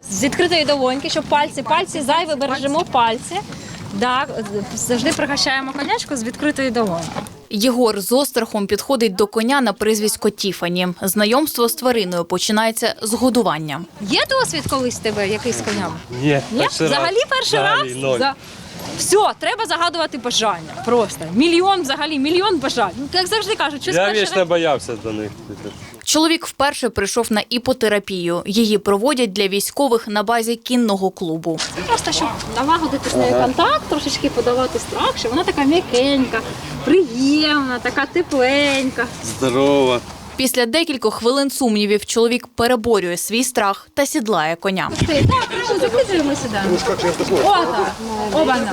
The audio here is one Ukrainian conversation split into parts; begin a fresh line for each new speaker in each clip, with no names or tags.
З відкритої долоньки, щоб пальці зайві, бережемо пальці. Так, завжди пригощаємо конячку з відкритої долоньки.
Єгор з острахом підходить до коня на прізвисько Тіфані. Знайомство з твариною починається з годування.
Є досвід колись в тебе якийсь з конями?
Ні,
Взагалі перший раз? Все, треба загадувати бажання. Просто. Мільйон бажань. Як завжди кажуть, щось
Я
перший
вічно
раз.
боявся до них.
Чоловік вперше прийшов на іпотерапію. Її проводять для військових на базі кінного клубу.
Просто щоб налагодити з нею контакт, трошечки подавати страх, що вона така м'якенька, приємна, така тепленька.
Здорово.
Після декількох хвилин сумнівів чоловік переборює свій страх та сідлає коня.
Так, закидуємо сюди. О, так. Оба-на.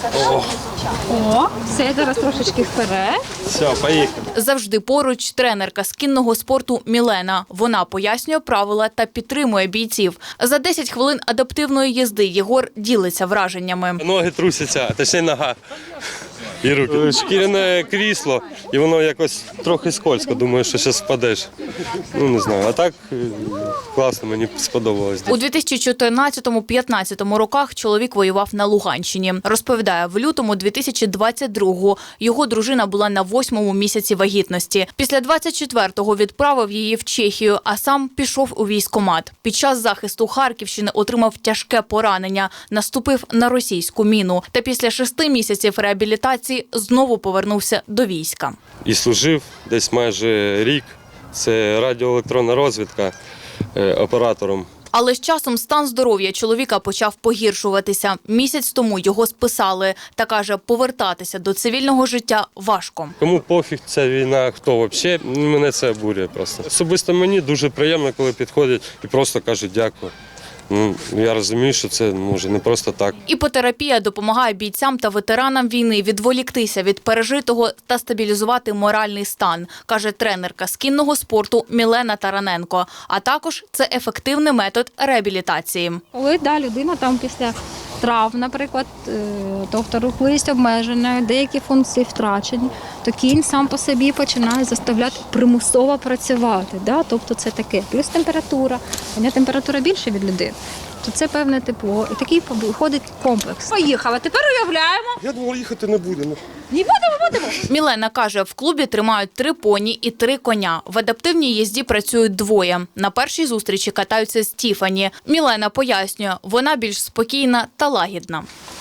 О, все, зараз трошечки вперед.
Все, поїхали.
Завжди поруч тренерка з кінного спорту Мілена. Вона пояснює правила та підтримує бійців. За 10 хвилин адаптивної їзди Єгор ділиться враженнями.
Ноги трусяться, точніше нога. І руки. Шкіряне крісло, і воно якось трохи скользко. Думаю, що зараз впадеш. Ну, не знаю. А так класно, мені сподобалось.
У 2014-15 роках чоловік воював на Луганщині. Розповідає, в лютому 2022-го його дружина була на 8-му місяці вагітності. Після 24-го відправив її в Чехію, а сам пішов у військкомат. Під час захисту Харківщини отримав тяжке поранення, наступив на російську міну. Та після 6 місяців реабілітації знову повернувся до війська.
І служив десь майже рік. Це радіоелектронна розвідка оператором.
Але з часом стан здоров'я чоловіка почав погіршуватися. Місяць тому його списали. Та каже, повертатися до цивільного життя важко.
Кому пофіг ця війна, хто взагалі, мене це обурює просто. Особисто мені дуже приємно, коли підходять і просто кажуть дякую. Ну, я розумію, що це може не просто так.
Іпотерапія допомагає бійцям та ветеранам війни відволіктися від пережитого та стабілізувати моральний стан, каже тренерка з кінного спорту Мілена Тараненко. А також це ефективний метод реабілітації.
Коли людина там після травм, наприклад, тобто рухливість обмежена, деякі функції втрачені, то кінь сам по собі починає заставляти примусово працювати. Тобто це таке. Плюс температура. У нього температура більше від людини. То це певне тепло. І такий виходить комплекс. Поїхали. Тепер уявляємо.
Я думав, їхати не будемо.
Не будемо.
Мілена каже, в клубі тримають 3 поні і 3 коня. В адаптивній їзді працюють 2. На першій зустрічі катаються з Тіфані. Мілена пояснює, вона більш спокійна та лагідна.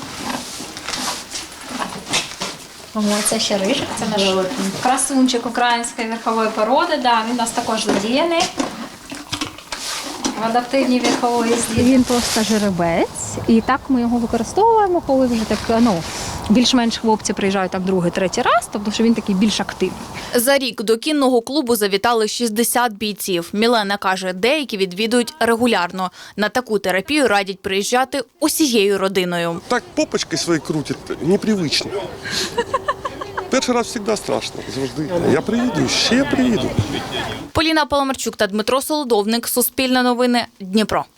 Це ще рижик, це наш красунчик української верхової породи. Він у нас також задіяний в адаптивній верховій їзді. Він просто жеребець, і так ми його використовуємо, коли вже так, більш-менш хлопці приїжджають там 2-3 раз, тобто що він такий більш активний.
За рік до кінного клубу завітали 60 бійців. Мілена каже, деякі відвідують регулярно. На таку терапію радять приїжджати усією родиною.
Так попочки свої крутять, непривично. Перший раз завжди страшно, завжди. Я приїду, ще приїду.
Поліна Паламарчук та Дмитро Солодовник. Суспільне новини. Дніпро.